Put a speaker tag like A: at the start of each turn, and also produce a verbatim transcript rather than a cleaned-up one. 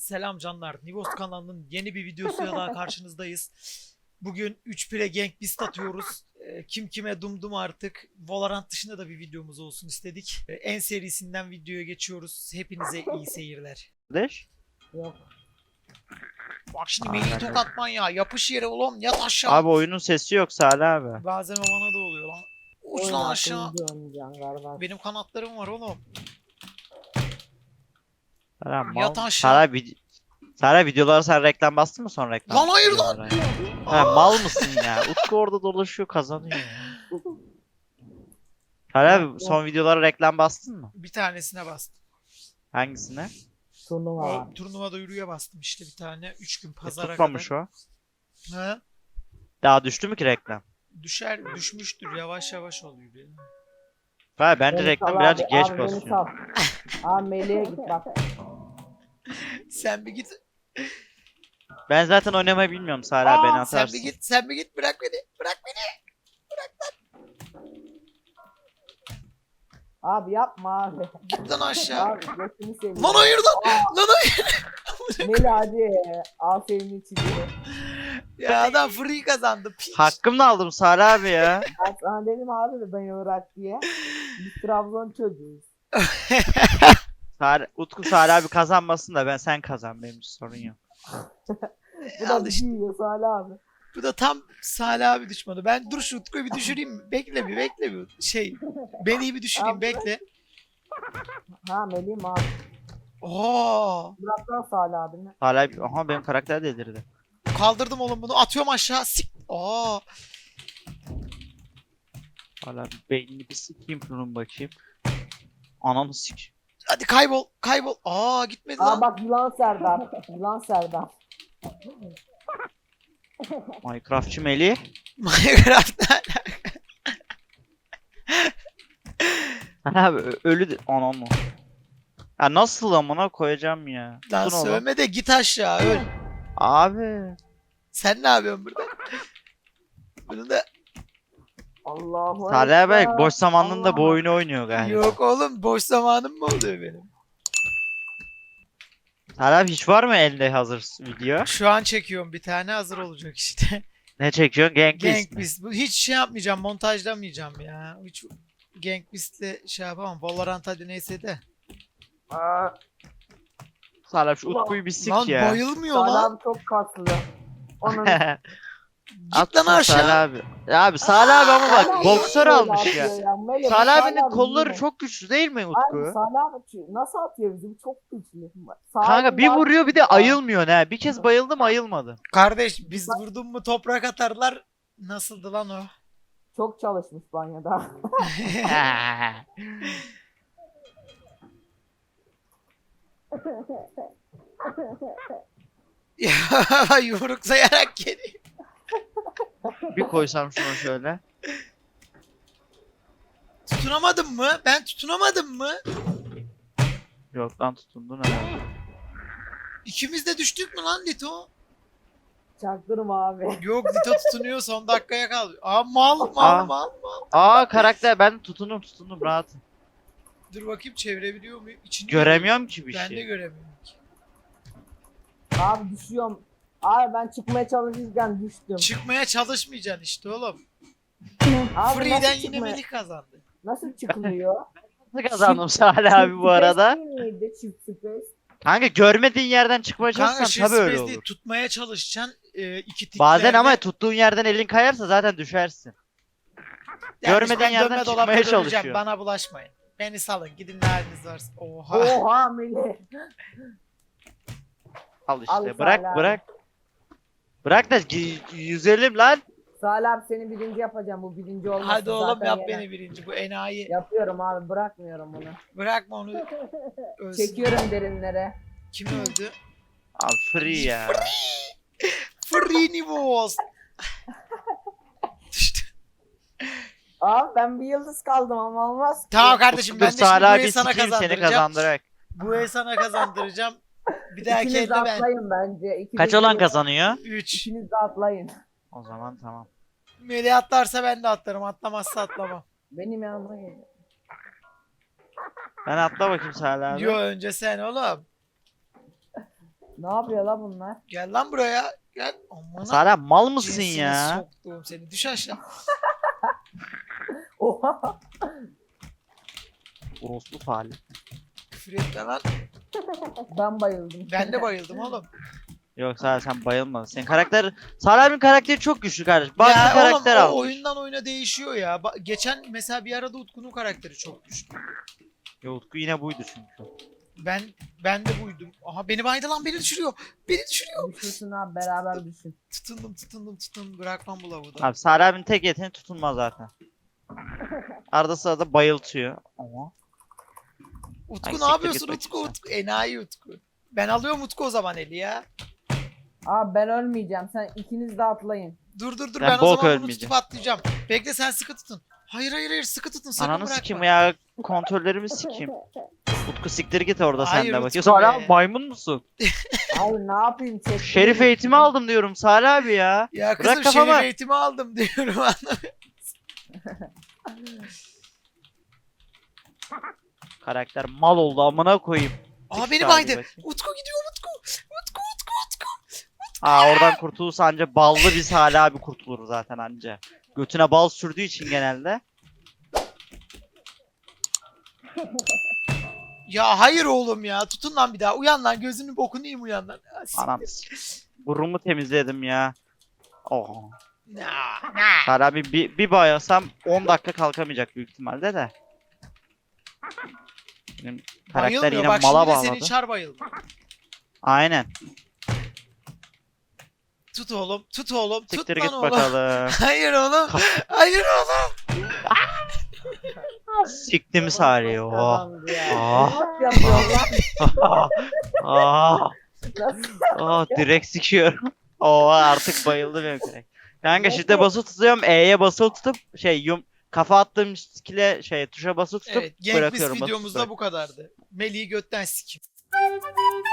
A: Selam canlar. Nivos kanalının yeni bir videosuyla daha karşınızdayız. Bugün üç pire Gang Beast atıyoruz. Ee, Kim kime dumdum artık. Valorant dışında da bir videomuz olsun istedik. Ee, En serisinden videoya geçiyoruz. Hepinize iyi seyirler.
B: Kardeş.
C: Yok.
A: Bak şimdi
B: Aa,
A: Melih
B: ben de-
A: tokatman ya. Yapış yere ulan yat aşağı.
B: Abi oyunun sesi yok Salih abi.
A: Bazen o bana da oluyor lan. Uç
C: Oyun
A: lan aşağı.
C: hakkında oynayacaksın galiba.
A: Benim kanatlarım var oğlum.
B: Salih abi,
A: Yat
B: mal.
A: aşağı.
B: Salih abi, Salih abi, videolara sen reklam bastın mı son reklam?
A: Lan hayır lan.
B: Videolara. Ha, mal mısın ya? Utku orada dolaşıyor kazanıyor ya. Salih abi son videolara reklam bastın mı?
A: Bir tanesine bastım.
B: Hangisine?
C: Turnuva var.
A: O turnuvada yürüye bastım işte bir tane. Üç gün
B: E,
A: pazara
B: tutmamış
A: kadar.
B: o.
A: Ha?
B: Daha düştü mü ki reklam?
A: Düşer, düşmüştür. Yavaş yavaş oluyor. benim.
B: Hayır bence
C: Beni
B: reklam
C: sal
B: birazcık
C: abi,
B: geç
C: abi beni
B: basıyor.
C: sal. Abi Melih'e git bak.
A: Sen bir git.
B: Ben zaten oynamayı bilmiyorum Salih abi, beni
A: Aa, sen
B: atarsın.
A: bir git. Sen bir git. Bırak beni. Bırak beni.
C: Abi yapma abi.
A: Git lan aşağı.
C: Abi götünü seveyim.
A: Lan hayır lan. Lan hayır.
C: Melih hadi. Al senin için.
A: Ya adam free kazandı. Piç.
B: Hakkımla aldım Salih abi ya.
C: Ben sana dedim abi de ben Irak diye. Biz Trabzon çocuğuyuz.
B: Salih, Utku Salih abi kazanmasın da ben sen kazan, benim için sorun yok.
C: Bu da
A: Al
C: bir
A: işte.
C: yiyor Salih abi.
A: Bu da tam Salih abi düşmanı. Ben dur şu Utku'yu bir düşüreyim. Bekle bir bekle bir. Şey. Beni bir düşüreyim.
C: Abi.
A: Bekle.
C: Ha Melih'im abi.
A: Oo.
C: Bıraktan Salih abini.
B: Salih abi, aha benim karakter delirdi.
A: Kaldırdım oğlum bunu. Atıyorum aşağı. Sik. Aa.
B: Salih abi beynini bir sikeyim şunun bakayım. Ananı sik.
A: Hadi kaybol. Kaybol. Aa gitmedi
C: Aa
A: lan.
C: bak yılan Serdar. Yılan Serdar.
B: Minecraftçı Melih.
A: Minecraft'ta.
B: Salih abi ö- ölü de... Ananı. Ya nasıl amına koyacağım ya.
A: Lan
B: Tutun oğlum.
A: sövme de git aşağı öl.
B: Abi.
A: Sen ne yapıyorsun burada? Bunu da
C: Allahu
B: Salih abi
C: Ekber.
B: boş zamanında bu
C: Allah.
B: oyunu oynuyor galiba.
A: yok oğlum boş zamanım mı oluyor benim?
B: Salih abi hiç var mı elde hazır video?
A: Şu an çekiyorum bir tane hazır olacak işte.
B: Ne çekiyorsun? Gang Beast
A: Gang
B: mi?
A: Beast. Bu hiç şey yapmayacağım montajlamayacağım ya. Hiç Gang Beast'le şey yapamam. Valorant hadi neyse de.
C: Aa,
B: Salih abi şu Utku'yu bir sik
A: Lan
B: ya.
A: bayılmıyor
C: Salih
A: lan.
C: abi çok kaslı. Onun
A: Git lan
B: Atsın
A: aşağı.
B: Salih abi. Ya abi Salih abi ama bak
C: Salih
B: boksör
C: abi
B: almış
C: böyle
B: ya.
C: atıyor Melih, bu
B: Salih abinin
C: abi
B: kolları
C: yine.
B: çok güçlü değil mi
C: Abi
B: Utku?
C: Salih abi çı- nasıl atıyor bizi? Bu çok güçlü. Sağ
B: Kanka bir
C: elinde
B: vuruyor bir de
C: atıyor.
B: ayılmıyor ne. Bir kez bayıldım ayılmadı.
A: Kardeş biz vurdun mu toprak atarlar. Nasıldı lan o?
C: Çok çalışmış banyoda.
A: Ya yumruk sayarak geliyor.
B: Bir koysam şuna şöyle.
A: Tutunamadın mı? Ben tutunamadım mı?
B: Yok lan tutundun herhalde.
A: İkimiz de düştük mü lan Lito?
C: Çaktırma abi.
A: Yok Lito tutunuyor son dakikaya kaldı. Aa mal mal
B: Aa.
A: mal mal.
B: Aa karakter ben tutundum tutundum rahat.
A: Dur bakayım çevirebiliyor muyum? İçini
B: Göremiyorum ki bir
A: Ben de
B: şey.
A: göremiyorum ki.
C: Abi düşüyorum. Abi ben çıkmaya çalışırken düştüm.
A: Çıkmaya çalışmayacaksın işte oğlum.
C: Abi
A: Free'den
C: nasıl
A: yine
C: çıkmaya-
A: Melih kazandı.
C: Nasıl çıkılıyor?
B: Nasıl kazandım Salih
C: Çift
B: abi bu arada?
C: space değil miydi? Çift space.
B: Kanka görmediğin yerden çıkmaya
A: Kanka
B: çalışsan
A: shift
B: tabii öyle
A: space değil
B: olur.
A: tutmaya çalışacaksın. E, iki tiklerde.
B: Bazen ama tuttuğun yerden elin kayarsa zaten düşersin. görmediğin
A: ben
B: yerden
A: dönme
B: çıkmaya
A: dolapta döneceğim,
B: çalışıyor.
A: Bana bulaşmayın. Beni salın gidin ne haliniz varsa. Oha.
C: Oha Melih.
B: Al işte
C: Al
B: bırak
C: Salih abi.
B: bırak. Bırak da gi- yüzelim lan.
C: Salih abi seni birinci yapacağım. Bu birinci olmasın.
A: Hadi oğlum
C: zaten
A: yap
C: yener.
A: beni birinci. Bu enayi.
C: Yapıyorum abi bırakmıyorum bunu.
A: Bırakma onu. Ölsün.
C: Çekiyorum derinlere.
A: Kim öldü?
B: Al free ya.
A: Free Nivos. Düştü.
C: Abi ben bir yıldız kaldım ama olmaz ki.
A: Tamam kardeşim ben de
B: Dur
A: şimdi
B: Salih
A: bu
B: abi
A: el sana
B: sikeyim seni
A: kazandıracağım.
B: kazandırarak.
A: Bu el sana kazandıracağım. Bir dahaki
C: İkiniz de
A: elde ben.
C: atlayın bence. İkiniz
B: Kaç
C: de-
B: olan kazanıyor?
A: üç.
C: İkiniz de atlayın.
B: O zaman tamam.
A: Melih atlarsa ben de atlarım. Atlamazsa atlamam.
C: Benim yanıma gelin.
B: Ben atla bakayım Salih abi.
A: Yo önce sen oğlum.
C: Ne yapıyor la bunlar?
A: Gel lan buraya. Gel. Aman
B: Salih abi mal mısın
A: cinsini
B: ya?
A: soktuğum seni. Düş aşağı.
C: Oha.
B: Orospu Salih.
A: Küfür etme lan.
C: Ben bayıldım.
A: Ben de bayıldım oğlum.
B: Yok Salih sen bayılmadın. Senin karakter... Salih abinin karakteri çok güçlü kardeş. Bak
A: Ya
B: bir karakter
A: oğlum, o
B: almış.
A: oyundan oyuna değişiyor ya. Ba- geçen mesela bir arada Utku'nun karakteri çok güçlü.
B: Ya Utku yine buydu çünkü.
A: Ben ben de buydum. Aha beni baydı lan, beni düşürüyor. Beni düşürüyor.
C: Düşürsün abi, beraber düşün.
A: Tutundum tutundum tutundum. Bırakmam bu lavuğu da.
B: Abi Salih abinin tek yeteneği tutulmaz zaten. Arada sırada bayıltıyor. Ama
A: Utku
B: Ay,
A: ne
B: siktir
A: yapıyorsun
B: git
A: Utku?
B: bakayım
A: Utku? Enayi Utku. Ben alıyorum Utku o zaman eli ya.
C: Abi ben ölmeyeceğim. Sen ikiniz de atlayın.
A: Dur dur dur
B: Ben
A: ben, o
B: bok
A: zaman bunu
B: ölmeyeceğim.
A: tutup atlayacağım. Bekle sen sıkı tutun. Hayır hayır hayır sıkı tutun sakın
B: ananı
A: bırakma.
B: sikeyim ya. Kontrollerimi sikeyim. Utku siktir git orada sen
A: Hayır
B: de
A: Utku
B: bak. Ya Salih
A: be.
B: abi maymun musun?
C: Abi ne yapayım? Çektim.
B: Şerif eğitimi aldım diyorum Salih abi ya.
A: Ya
B: Bırak
A: kızım
B: kafama.
A: şerif eğitimi aldım diyorum anlamıyorum.
B: Karakter mal oldu amına koyayım.
A: Aa
B: Tık
A: beni
B: Salih
A: baydı.
B: bakayım.
A: Utku gidiyor Utku. Utku Utku Utku.
B: Aa oradan kurtulursa anca ballı bir Salih abi kurtulur zaten anca. Götüne bal sürdüğü için genelde.
A: Ya hayır oğlum ya. Tutun lan bir daha. Uyan lan gözünü bokunu yiyeyim uyan lan. Ah, siktir.
B: Anam. Burnumu temizledim ya. Oh.
A: Na, na.
B: Salih abi bir, bir bayılsam on dakika kalkamayacak büyük ihtimalle de. Benim karakter
A: Bayılmıyor.
B: yine
A: Bak
B: mala
A: şimdi de
B: bağladı.
A: seni çar bayıldı.
B: Aynen.
A: Tut oğlum. Tut oğlum.
B: Siktir
A: Tut
B: git
A: lan oğlum.
B: bakalım.
A: Hayır oğlum. Hayır oğlum.
B: Siktim Salih'i. Oh.
C: Kazandı ya.
B: Ah.
C: Bak yapıyor lan.
B: ah,
C: Nasıl?
B: ah, direkt sikiyorum. Oo artık bayıldı benim karakter. Kanka shift'e basılı tutuyorum. E'ye basılı tutup şey yum kafa attığım skill'e şey tuşa basılı tutup
A: Evet. Genk Biz
B: bırakıyorum. basılı
A: videomuzda
B: tutuyorum.
A: bu kadardı. Melih'i götten sikim.